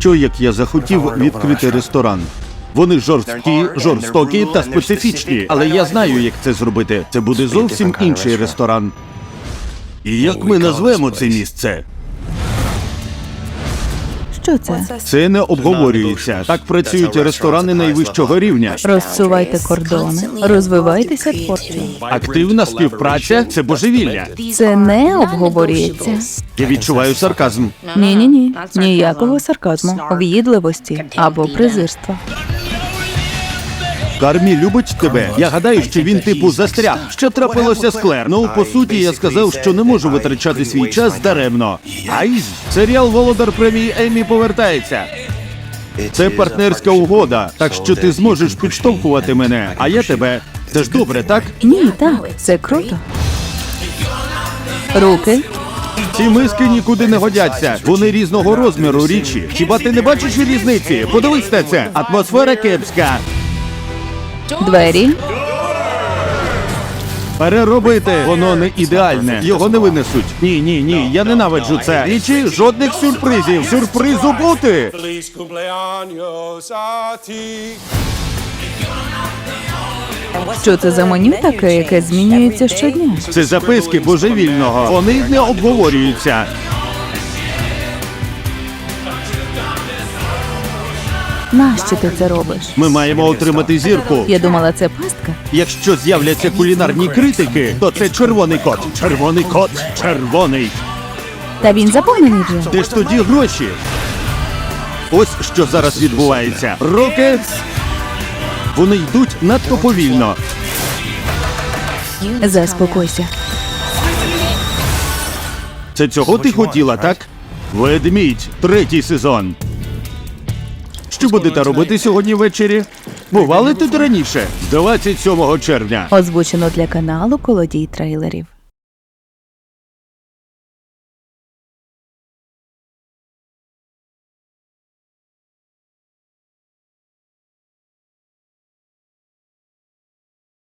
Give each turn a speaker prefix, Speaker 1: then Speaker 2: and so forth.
Speaker 1: Що як я захотів відкрити ресторан? Вони жорстокі та специфічні, але я знаю, як це зробити. Це буде зовсім інший ресторан. І як ми назвемо це місце?
Speaker 2: Що це?
Speaker 1: Це не обговорюється. Так працюють ресторани найвищого рівня.
Speaker 2: Розсувайте кордони, розвивайтеся творчо.
Speaker 1: Активна співпраця – це божевілля.
Speaker 2: Це не обговорюється.
Speaker 1: Я відчуваю сарказм.
Speaker 2: Ні. Ніякого сарказму, в'їдливості або презирства.
Speaker 1: Кармі любить тебе. Я гадаю, що він типу застряг. Що трапилося з Клер? Ну, по суті, я сказав, що не можу витрачати свій час даремно. Айз! Серіал «Володар премії Еммі» повертається. Це партнерська угода, так що ти зможеш підштовхувати мене, а я тебе. Це ж добре, так?
Speaker 2: Ні, так, це круто. Руки.
Speaker 1: Ці миски нікуди не годяться. Вони різного розміру річі. Хіба ти не бачиш різниці? Подивись на це. Атмосфера кепська.
Speaker 2: Двері.
Speaker 1: Переробити. Воно не ідеальне. Його не винесуть. Ні. Я ненавиджу це. Річі, жодних сюрпризів. Сюрпризу бути.
Speaker 3: Feliz cumpleaños a ti.
Speaker 2: Що це за меню таке, яке змінюється щодня?
Speaker 1: Це записки божевільного. Вони не обговорюються.
Speaker 2: Нащо ти це робиш?
Speaker 1: Ми маємо отримати зірку.
Speaker 2: Я думала, це пастка.
Speaker 1: Якщо з'являться кулінарні критики, то це червоний кот. Червоний кот. Червоний.
Speaker 2: Та він заповнений вже.
Speaker 1: Де ж тоді гроші? Ось що зараз відбувається. Руки. Вони йдуть надто повільно.
Speaker 2: Заспокойся.
Speaker 1: Це цього ти хотіла, так? Ведмідь. 3-й сезон. Що будете робити сьогодні ввечері? Бували тут раніше? 27 червня.
Speaker 2: Озвучено для каналу «Колодій трейлерів».